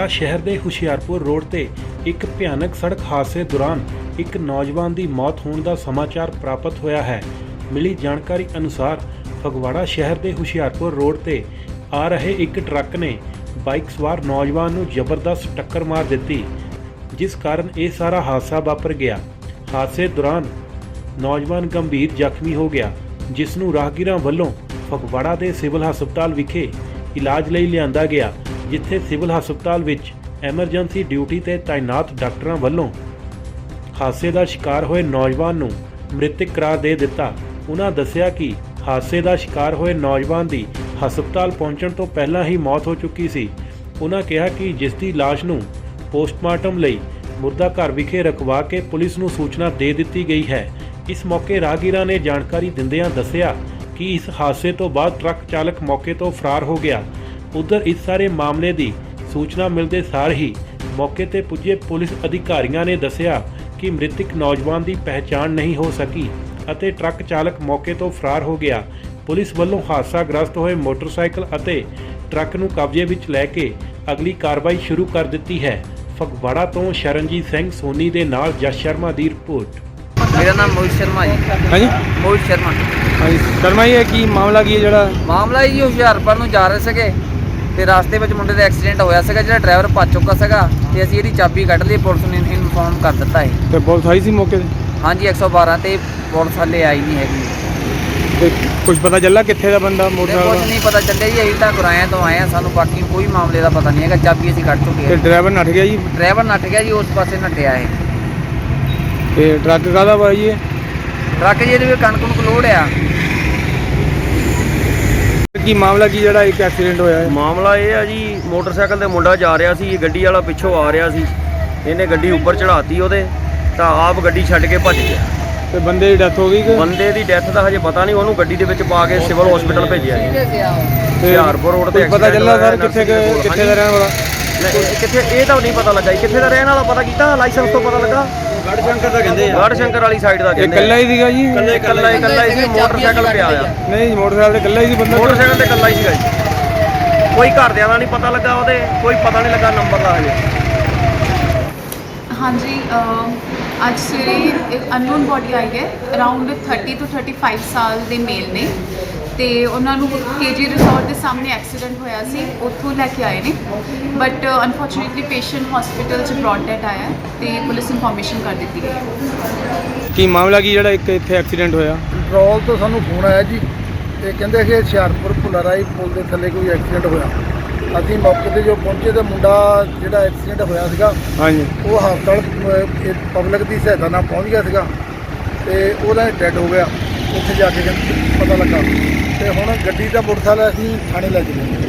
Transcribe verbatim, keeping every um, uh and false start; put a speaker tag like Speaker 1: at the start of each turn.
Speaker 1: ਫਗਵਾੜਾ ਸ਼ਹਿਰ ਦੇ ਹੁਸ਼ਿਆਰਪੁਰ ਰੋਡ ਤੇ ਇੱਕ ਭਿਆਨਕ ਸੜਕ ਹਾਦਸੇ ਦੌਰਾਨ ਇੱਕ ਨੌਜਵਾਨ ਦੀ ਮੌਤ ਹੋਣ ਦਾ ਸਮਾਚਾਰ ਪ੍ਰਾਪਤ ਹੋਇਆ ਹੈ। ਮਿਲੀ ਜਾਣਕਾਰੀ ਅਨੁਸਾਰ ਫਗਵਾੜਾ ਸ਼ਹਿਰ ਦੇ ਹੁਸ਼ਿਆਰਪੁਰ ਰੋਡ ਤੇ ਆ ਰਹੇ ਇੱਕ ਟਰੱਕ ਨੇ ਬਾਈਕ ਸਵਾਰ ਨੌਜਵਾਨ ਨੂੰ ਜ਼ਬਰਦਸਤ ਟੱਕਰ ਮਾਰ ਦਿੱਤੀ, ਜਿਸ ਕਾਰਨ ਇਹ ਸਾਰਾ ਹਾਦਸਾ ਵਾਪਰ ਗਿਆ। ਹਾਦਸੇ ਦੌਰਾਨ ਨੌਜਵਾਨ ਗੰਭੀਰ ਜ਼ਖਮੀ ਹੋ ਗਿਆ, ਜਿਸ ਨੂੰ ਰਾਹਗੀਰਾਂ ਵੱਲੋਂ ਫਗਵਾੜਾ ਦੇ ਸਿਵਲ ਹਸਪਤਾਲ ਵਿਖੇ ਇਲਾਜ ਲਈ ਲਿਆਂਦਾ ਗਿਆ, ਜਿੱਥੇ ਸਿਵਲ ਹਸਪਤਾਲ ਵਿੱਚ ਐਮਰਜੈਂਸੀ ਡਿਊਟੀ ਤੇ ਤਾਇਨਾਤ ਡਾਕਟਰਾਂ ਵੱਲੋਂ ਹਾਦਸੇ ਦਾ ਸ਼ਿਕਾਰ ਹੋਏ ਨੌਜਵਾਨ ਨੂੰ ਮ੍ਰਿਤਕ ਕਰਾਰ ਦੇ ਦਿੱਤਾ। ਉਹਨਾਂ ਦੱਸਿਆ ਕਿ ਹਾਦਸੇ ਦਾ ਸ਼ਿਕਾਰ ਹੋਏ ਨੌਜਵਾਨ ਦੀ ਹਸਪਤਾਲ ਪਹੁੰਚਣ ਤੋਂ ਪਹਿਲਾਂ ਹੀ ਮੌਤ ਹੋ ਚੁੱਕੀ ਸੀ। ਉਹਨਾਂ ਕਿਹਾ ਕਿ ਜਿਸ ਦੀ ਲਾਸ਼ ਨੂੰ ਪੋਸਟਮਾਰਟਮ ਲਈ ਮੁਰਦਾ ਘਰ ਵਿਖੇ ਰਖਵਾ ਕੇ ਪੁਲਿਸ ਨੂੰ ਸੂਚਨਾ ਦੇ ਦਿੱਤੀ ਗਈ ਹੈ। ਇਸ ਮੌਕੇ ਰਾਹਗੀਰਾਂ ਨੇ ਜਾਣਕਾਰੀ ਦਿੰਦਿਆਂ ਦੱਸਿਆ ਕਿ ਇਸ ਹਾਦਸੇ ਤੋਂ ਬਾਅਦ ਟਰੱਕ ਚਾਲਕ ਮੌਕੇ ਤੋਂ ਫਰਾਰ ਹੋ ਗਿਆ। ਉਧਰ ਇਸ ਸਾਰੇ ਮਾਮਲੇ ਦੀ ਸੂਚਨਾ ਮਿਲਦੇ ਸਾਰ ਹੀ ਮੌਕੇ ਤੇ ਪੁੱਜੇ ਪੁਲਿਸ ਅਧਿਕਾਰੀਆਂ ਨੇ ਦੱਸਿਆ ਕਿ ਮ੍ਰਿਤਕ ਨੌਜਵਾਨ ਦੀ ਪਹਿਚਾਣ ਨਹੀਂ ਹੋ ਸਕੀ ਅਤੇ ਟਰੱਕ ਚਾਲਕ ਮੌਕੇ ਤੋਂ ਫਰਾਰ ਹੋ ਗਿਆ। ਪੁਲਿਸ ਵੱਲੋਂ ਹਾਦਸਾਗ੍ਰਸਤ ਹੋਏ ਮੋਟਰਸਾਈਕਲ ਅਤੇ ਟਰੱਕ ਨੂੰ ਕਬਜ਼ੇ ਵਿੱਚ ਲੈ ਕੇ ਅਗਲੀ ਕਾਰਵਾਈ ਸ਼ੁਰੂ ਕਰ ਦਿੱਤੀ ਹੈ। ਫਗਵਾੜਾ ਤੋਂ ਸ਼ਰਨਜੀਤ ਸਿੰਘ ਸੋਨੀ ਦੇ ਨਾਲ ਜਸ ਸ਼ਰਮਾ ਦੀ ਰਿਪੋर्ट।
Speaker 2: मेरा नाम मोहित शर्मा जी।
Speaker 3: हाँ जी
Speaker 2: मोहित शर्मा।
Speaker 3: हाँ जी शर्मा जी की मामला की है जो
Speaker 2: ਮਾਮਲਾ ਜੀ ਹੁਸ਼ਿਆਰਪੁਰ ਨੂੰ ਜਾ ਰਹੇ ਸੀਗੇ ਤੇ ਰਸਤੇ ਵਿੱਚ ਮੁੰਡੇ ਦਾ ਐਕਸੀਡੈਂਟ ਹੋਇਆ ਸੀਗਾ, ਜਿਹੜਾ ਡਰਾਈਵਰ ਭੱਜ ਚੁੱਕਾ ਸੀਗਾ ਤੇ ਅਸੀਂ ਇਹਦੀ ਚਾਬੀ ਕੱਢ ਲਈ, ਪੁਲਿਸ ਨੂੰ ਇਨਫੋਰਮ ਕਰ ਦਿੱਤਾ ਹੈ।
Speaker 3: ਤੇ ਪੁਲਿਸ ਆਈ ਸੀ ਮੌਕੇ ਤੇ?
Speaker 2: ਹਾਂਜੀ ਇੱਕ ਸੌ ਬਾਰਾਂ ਤੇ ਪੁਲਿਸ ਹਾਲੇ ਆਈ ਨਹੀਂ ਹੈਗੀ।
Speaker 3: ਤੇ ਕੁਝ ਪਤਾ ਚੱਲਾ ਕਿੱਥੇ ਦਾ ਬੰਦਾ
Speaker 2: ਕੁਝ
Speaker 3: ਮੋਟਰਸਾਈਕਲ?
Speaker 2: ਨਹੀਂ ਪਤਾ ਚੱਲਿਆ ਜੀ, ਅਸੀਂ ਤਾਂ ਗੁਰਾਇਆਂ ਤੋਂ ਆਏ ਆ, ਸਾਨੂੰ ਬਾਕੀ ਕੋਈ ਮਾਮਲੇ ਦਾ ਪਤਾ ਨਹੀਂ ਹੈਗਾ। ਚਾਬੀ ਅਸੀਂ ਕੱਢ ਚੁੱਕੇ
Speaker 3: ਤੇ
Speaker 2: ਹਾਂ।
Speaker 3: ਡਰਾਈਵਰ ਨੱਠ ਗਿਆ ਜੀ?
Speaker 2: ਡਰਾਈਵਰ ਨੱਠ ਗਿਆ ਜੀ, ਉਸ ਪਾਸੇ ਨੱਠਿਆ ਹੈ।
Speaker 3: ਤੇ ਟਰੱਕ ਕਾਹਦਾ ਵਾ ਜੀ?
Speaker 2: ਟਰੱਕ ਜੀ ਇਹਦੇ ਵਿੱਚ ਕਣਕ ਨੂੰ ਲੋਡ ਆ।
Speaker 3: ਕੀ ਮਾਮਲਾ ਕੀ ਜਿਹੜਾ ਇੱਕ ਐਕਸੀਡੈਂਟ ਹੋਇਆ ਹੈ?
Speaker 4: ਮਾਮਲਾ ਇਹ ਆ ਜੀ, ਮੋਟਰਸਾਈਕਲ ਤੇ ਮੁੰਡਾ ਜਾ ਰਿਹਾ ਸੀ, ਗੱਡੀ ਵਾਲਾ ਪਿੱਛੋਂ ਆ ਰਿਹਾ ਸੀ, ਇਹਨੇ ਗੱਡੀ ਉੱਪਰ ਚੜਾਤੀ ਉਹਦੇ, ਤਾਂ ਆਪ ਗੱਡੀ ਛੱਡ ਕੇ ਭੱਜ ਗਿਆ।
Speaker 3: ਤੇ ਬੰਦੇ ਦੀ ਡੈਥ ਹੋ ਗਈ ਕਿ?
Speaker 4: ਬੰਦੇ ਦੀ ਡੈਥ ਦਾ ਹਜੇ ਪਤਾ ਨਹੀਂ, ਉਹਨੂੰ ਗੱਡੀ ਦੇ ਵਿੱਚ ਪਾ ਕੇ ਸਿਵਲ ਹਸਪੀਟਲ ਭੇਜਿਆ ਜੀ। ਹੁਸ਼ਿਆਰਪੁਰ ਰੋਡ ਤੇ
Speaker 3: ਪਤਾ ਚੱਲਾ ਸਰ ਕਿੱਥੇ ਕਿੱਥੇ ਦਾ ਰਹਿਣ ਵਾਲਾ?
Speaker 4: ਕਿੱਥੇ ਇਹ ਤਾਂ ਨਹੀਂ ਪਤਾ ਲੱਗਾ ਜੀ, ਕਿੱਥੇ ਦਾ ਰਹਿਣ ਵਾਲਾ ਪਤਾ ਕੀਤਾ, ਲਾਇਸੈਂਸ ਤੋਂ ਪਤਾ ਲੱਗਾ। ਗੜ ਸ਼ੰਕਰ ਦਾ ਕਹਿੰਦੇ ਆ, ਗੜ ਸ਼ੰਕਰ ਵਾਲੀ ਸਾਈਡ ਦਾ
Speaker 3: ਇਹ
Speaker 4: ਕਹਿੰਦੇ।
Speaker 3: ਇਕੱਲਾ ਹੀ ਸੀਗਾ ਜੀ?
Speaker 4: ਇਕੱਲਾ ਹੀ ਇਕੱਲਾ ਹੀ ਸੀ, ਮੋਟਰਸਾਈਕਲ ਪਿਆ ਆ।
Speaker 3: ਨਹੀਂ ਮੋਟਰਸਾਈਕਲ ਤੇ ਇਕੱਲਾ ਹੀ ਸੀ ਬੰਦਾ?
Speaker 4: ਮੋਟਰਸਾਈਕਲ ਤੇ ਇਕੱਲਾ ਹੀ ਸੀਗਾ ਜੀ, ਕੋਈ ਘਰਦਿਆਂ ਦਾ ਨਹੀਂ ਪਤਾ ਲੱਗਾ, ਉਹਦੇ ਕੋਈ ਪਤਾ ਨਹੀਂ ਲੱਗਾ ਨੰਬਰ ਦਾ ਹਜੇ।
Speaker 5: हाँ जी ਅੱਜ ਸਵੇਰੇ ਇੱਕ ਅਨਨੋਨ ਬੋਡੀ ਆਈ ਹੈ, ਅਰਾਊਂਡ ਥਰਟੀ ਤੋਂ ਥਰਟੀ ਫਾਈਵ ਸਾਲ ਦੇ ਮੇਲ ਨੇ ਤੇ ਉਹਨਾਂ ਨੂੰ ਕੇਜੀ ਰਿਜ਼ੋਰਟ ਦੇ ਸਾਹਮਣੇ ਐਕਸੀਡੈਂਟ ਹੋਇਆ ਸੀ, ਉੱਥੋਂ ਲੈ ਕੇ ਆਏ ਨੇ, ਬਟ ਅਨਫੋਰਚੂਨੇਟਲੀ ਪੇਸ਼ੈਂਟ ਹਸਪੀਟਲ 'ਚ ਬ੍ਰੌਡ ਡੈਟ ਆਇਆ ਤੇ ਪੁਲਿਸ ਇਨਫੋਰਮੇਸ਼ਨ ਕਰ ਦਿੱਤੀ ਗਈ ਹੈ।
Speaker 3: ਕੀ ਮਾਮਲਾ ਕੀ ਜਿਹੜਾ ਇੱਕ ਇੱਥੇ ਐਕਸੀਡੈਂਟ ਹੋਇਆ?
Speaker 6: ਕੰਟਰੋਲ ਤੋਂ ਸਾਨੂੰ ਫੋਨ ਆਇਆ ਜੀ, ਤੇ ਕਹਿੰਦੇ ਕਿ ਹੁਸ਼ਿਆਰਪੁਰ ਭੁੱਲਾਰਾਈ ਪੁਲ ਦੇ ਥੱਲੇ ਕੋਈ ਐਕਸੀਡੈਂਟ ਹੋਇਆ। ਅਸੀਂ ਮੌਕੇ 'ਤੇ ਜੋ ਪਹੁੰਚੇ ਤਾਂ ਮੁੰਡਾ ਜਿਹੜਾ ਐਕਸੀਡੈਂਟ ਹੋਇਆ ਸੀਗਾ
Speaker 3: ਹਾਂਜੀ
Speaker 6: ਉਹ ਹਸਪਤਾਲ ਪਬਲਿਕ ਦੀ ਸਹਾਇਤਾ ਨਾਲ ਪਹੁੰਚ ਗਿਆ ਸੀਗਾ ਤੇ ਉਹਦਾ ਡੈਡ ਹੋ ਗਿਆ। ਉੱਥੇ ਜਾ ਕੇ ਪਤਾ ਲੱਗਾ ਤੇ ਹੁਣ ਗੱਡੀ ਦਾ ਮੋਟਰਸਾਈਕਲ ਅਸੀਂ ਥਾਣੇ ਲੈ ਕੇ ਗਏ।